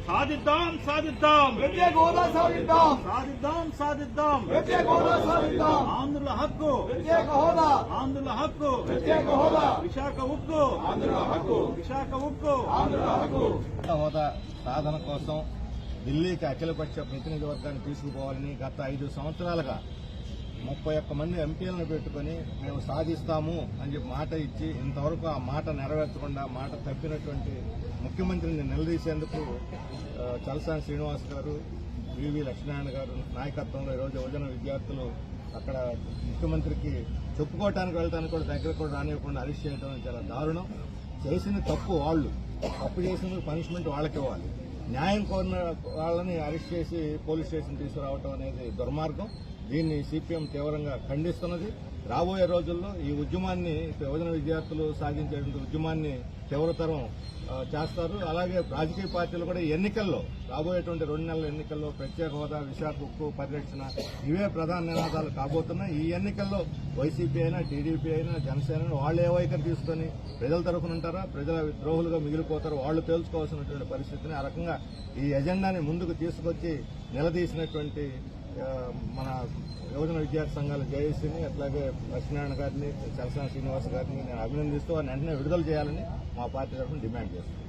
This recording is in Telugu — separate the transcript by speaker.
Speaker 1: సాధిద్దాం సాధిద్దాం
Speaker 2: ప్రత్యేక హోదా సాధిద్దాం
Speaker 1: సాధిద్దాం సాధిద్దాం
Speaker 2: ప్రత్యేక హోదా సాధిద్దాం
Speaker 1: ఆంధ్రుల హక్కు
Speaker 2: ప్రత్యేక హోదా
Speaker 1: ఆంధ్రుల హక్కు
Speaker 2: ప్రత్యేక హోదా
Speaker 1: విశాఖ ఉక్కు
Speaker 2: ఆంధ్రుల హక్కు
Speaker 1: విశాఖ ఉక్కు
Speaker 2: ఆంధ్రుల హక్కు
Speaker 3: హోదా సాధన కోసం ఢిల్లీకి అఖిలపక్ష ప్రతినిధి వర్గాన్ని తీసుకుపోవాలని గత 5 సంవత్సరాలుగా 31 మంది ఎంపీలను పెట్టుకుని మేము సాధిస్తాము అని చెప్పి మాట ఇచ్చి ఇంతవరకు ఆ మాట నెరవేర్చకుండా మాట తప్పినటువంటి ముఖ్యమంత్రిని నిలదీసేందుకు చలసాని శ్రీనివాస్ గారు, వివి లక్ష్మీనారాయణ గారు నాయకత్వంలో ఈరోజు యువజన విద్యార్థులు అక్కడ ముఖ్యమంత్రికి చెప్పుకోవటానికి వెళ్ళడానికి కూడా దగ్గర కూడా రానివ్వకుండా అరెస్ట్ చేయడం చాలా దారుణం. చేసిన తప్పు వాళ్ళు, తప్పు చేసిన పనిష్మెంట్ వాళ్ళకి ఇవ్వాలి. న్యాయం కోరిన వాళ్ళని అరెస్ట్ చేసి పోలీస్ స్టేషన్ తీసుకురావడం అనేది దుర్మార్గం. దీన్ని సిపిఎం తీవ్రంగా ఖండిస్తున్నది. రాబోయే రోజుల్లో ఈ ఉద్యమాన్ని, యువజన విద్యార్థులు సాగించేటువంటి ఉద్యమాన్ని తీవ్రతరం చేస్తారు. అలాగే రాజకీయ పార్టీలు కూడా ఎన్నికల్లో, రాబోయేటువంటి 2 నెలల ఎన్నికల్లో ప్రత్యేక హోదా, విశాఖ ఉక్కు పరిరక్షణ ఇవే ప్రధాన నినాదాలు కాబోతున్నాయి. ఈ ఎన్నికల్లో వైసీపీ అయినా, టీడీపీ అయినా, జనసేన వాళ్ళు ఏ వైఖరి తీసుకుని ప్రజల తరఫున ఉంటారా, ప్రజల ద్రోహులుగా మిగిలిపోతారో వాళ్ళు తేల్చుకోవాల్సినటువంటి పరిస్థితిని, ఆ రకంగా ఈ ఎజెండాని ముందుకు తీసుకొచ్చి నిలదీసినటువంటి మన యువజన విద్యార్థి సంఘాల జేఏసీని, అట్లాగే లక్ష్మీనారాయణ గారిని, చలసాని శ్రీనివాస్ గారిని నేను అభినందిస్తూ వారిని వెంటనే విడుదల చేయాలని మా పార్టీ తరఫున డిమాండ్ చేస్తున్నాను.